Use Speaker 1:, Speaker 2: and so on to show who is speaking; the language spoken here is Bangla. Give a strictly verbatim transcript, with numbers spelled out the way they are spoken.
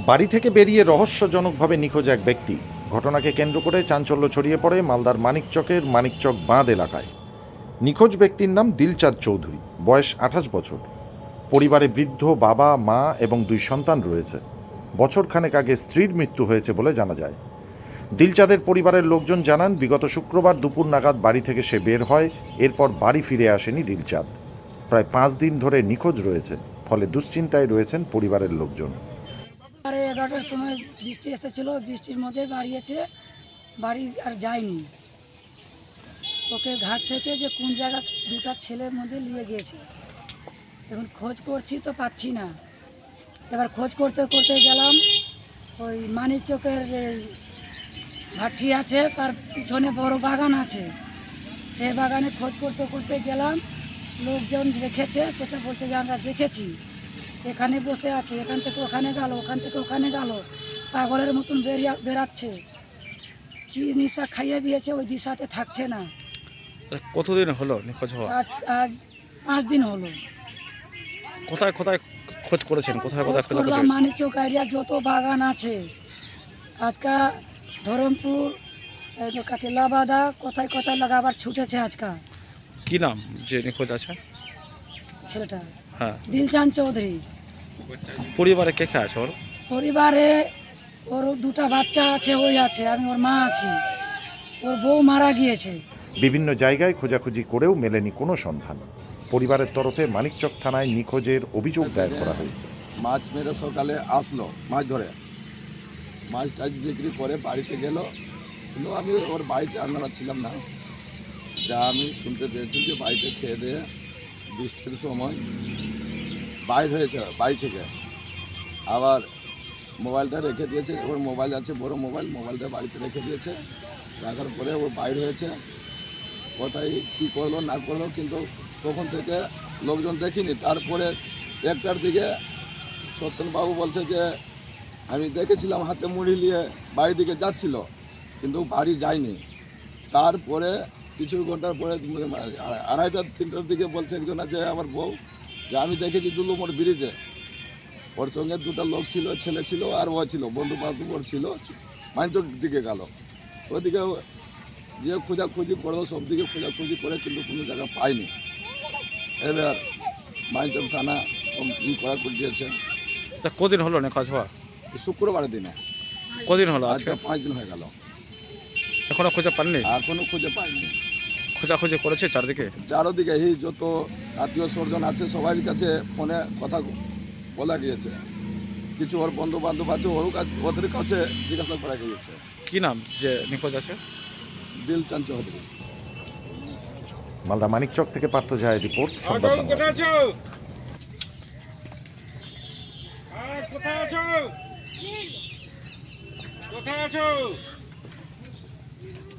Speaker 1: বাড়ি থেকে বেরিয়ে রহস্যজনকভাবে নিখোঁজ এক ব্যক্তি। ঘটনাকে কেন্দ্র করে চাঞ্চল্য ছড়িয়ে পড়ে মালদার মানিকচকের মানিকচক বাঁধ এলাকায়। নিখোঁজ ব্যক্তির নাম দিলচাঁদ চৌধুরী, বয়স আঠাশ বছর। পরিবারে বৃদ্ধ বাবা, মা এবং দুই সন্তান রয়েছে। বছরখানেক আগে স্ত্রীর মৃত্যু হয়েছে বলে জানা যায়। দিলচাঁদের পরিবারের লোকজন জানান, বিগত শুক্রবার দুপুর নাগাদ বাড়ি থেকে সে বের হয়। এরপর বাড়ি ফিরে আসেনি দিলচাঁদ। প্রায় পাঁচ দিন ধরে নিখোঁজ রয়েছে, ফলে দুশ্চিন্তায় রয়েছেন পরিবারের লোকজন।
Speaker 2: সাড়ে এগারোটার সময় বৃষ্টি এসেছিলো, বৃষ্টির মধ্যে বাড়িয়েছে, বাড়ি আর যায়নি। ওকে ঘাট থেকে যে কোন জায়গা দুটা ছেলের মধ্যে নিয়ে গিয়েছে। এখন খোঁজ করছি তো পাচ্ছি না। এবার খোঁজ করতে করতে গেলাম ওই মানিকচকের ভাটি আছে, তার পিছনে বড় বাগান আছে, সে বাগানে খোঁজ করতে করতে গেলাম। লোকজন দেখেছে, সেটা বলছে যে আমরা দেখেছি, এখানে বসে আছে, এখান থেকে ওখানে গেল, ওখান থেকে ওখানে গেল, পাগলের মতন বেরিয়ে বেরাচ্ছে। কি নিশা খাইয়ে দিয়েছে, ওই দিশাতে থাকছে না।
Speaker 3: কতদিন হলো নিখোঁজ হওয়া?
Speaker 2: আজ আজ পাঁচ দিন হলো।
Speaker 3: কোথায় কোথায় খোঁজ করেছেন? কোথায় কোথায় খোঁজ
Speaker 2: করলাম
Speaker 3: করেছেন?
Speaker 2: মানিকচক এরিয়া যত বাগান আছে, আজকা ধরমপুর, কাতিলাবাদা, কোথায় কোথায় লাগাবার ছুটেছে আজকা।
Speaker 3: কি নাম যে নিখোঁজ আছে
Speaker 2: ছেলেটা
Speaker 3: হ্যাঁ,
Speaker 2: দিলচাঁদ চৌধুরী।
Speaker 3: পরিবারে কে কে আছে ওর?
Speaker 2: পরিবারে ওর দুটা বাচ্চা আছে, ওই আছে, আমি ওর মা আছি। ওর বউ মারা গিয়েছে।
Speaker 1: বিভিন্ন জায়গায় খোঁজাখুঁজি করেও মেলেনি কোনো সন্ধান। পরিবারের তরফে মানিকচক থানায় নিখোঁজের অভিযোগ দায়ের করা হয়েছে।
Speaker 4: মাছ মেরে সকালে আসলো, মাছ ধরে মাছ টাছ বিক্রি করে বাড়িতে গেল, কিন্তু আমি ওর বাড়িতে আমরা ছিলাম না। যা আমি শুনতে পেয়েছি যে বাড়িতে খেয়ে দিয়ে বৃষ্টির সময় বাইর হয়েছে বাড়ি থেকে, আবার মোবাইলটা রেখে দিয়েছে। ওর মোবাইল আছে, বড় মোবাইল, মোবাইলটা বাড়িতে রেখে দিয়েছে। রাখার পরে ও বাইর হয়েছে, কোথায় কী করলো না করলো, কিন্তু তখন থেকে লোকজন দেখিনি। তারপরে একটার দিকে সত্যনবাবু বলছে যে আমি দেখেছিলাম হাতে মুড়ি নিয়ে বাড়ির দিকে যাচ্ছিল, কিন্তু বাড়ি যায়নি। তারপরে কিছু ঘন্টার পরে আড়াইটা তিনটার দিকে বলছে একজন যে আমার বউ, যে আমি দেখেছি দুলুমোড় ব্রিজে, ওর সঙ্গে দুটো লোক ছিল, ছেলে ছিল আর ও ছিল, বন্ধু বান্ধব ওর ছিল, মাইনচক দিকে গেল। ওদিকে যে খোঁজাখুঁজি করলো, সব দিকে খোঁজাখুঁজি করে, কিন্তু কোনো জায়গা পাইনি। এবার মাইনচক থানা ই করা করে দিয়েছে।
Speaker 3: তা কদিন হলো নিখোঁজ হওয়া?
Speaker 4: শুক্রবারের দিনে।
Speaker 3: কদিন হলো আজকে?
Speaker 4: আজকে পাঁচ দিন হয়ে গেল,
Speaker 3: এখনো খুঁজে পাননি?
Speaker 4: এখনো খুঁজে পাইনি।
Speaker 3: খোঁজাখুঁজি করেছে চারদিকে?
Speaker 4: চারোদিকে এই যত আত্মীয় স্বজন আছে সবার কাছে ফোনে কথা বলা গিয়েছে। কিছু ওর বন্ধু বান্ধব আছে, ওর কাছে, ওদের কাছে জিজ্ঞাসা করা গিয়েছে।
Speaker 3: কি নাম যে নিখোঁজ আছে?
Speaker 4: দিলচাঁদ চৌধুরী।
Speaker 1: মালদা মানিকচক থেকে পার্থ যায় রিপোর্ট, সংবাদ বাংলা।
Speaker 5: কোথায় আছো? আরে কোথায় আছো? কোথায় আছো?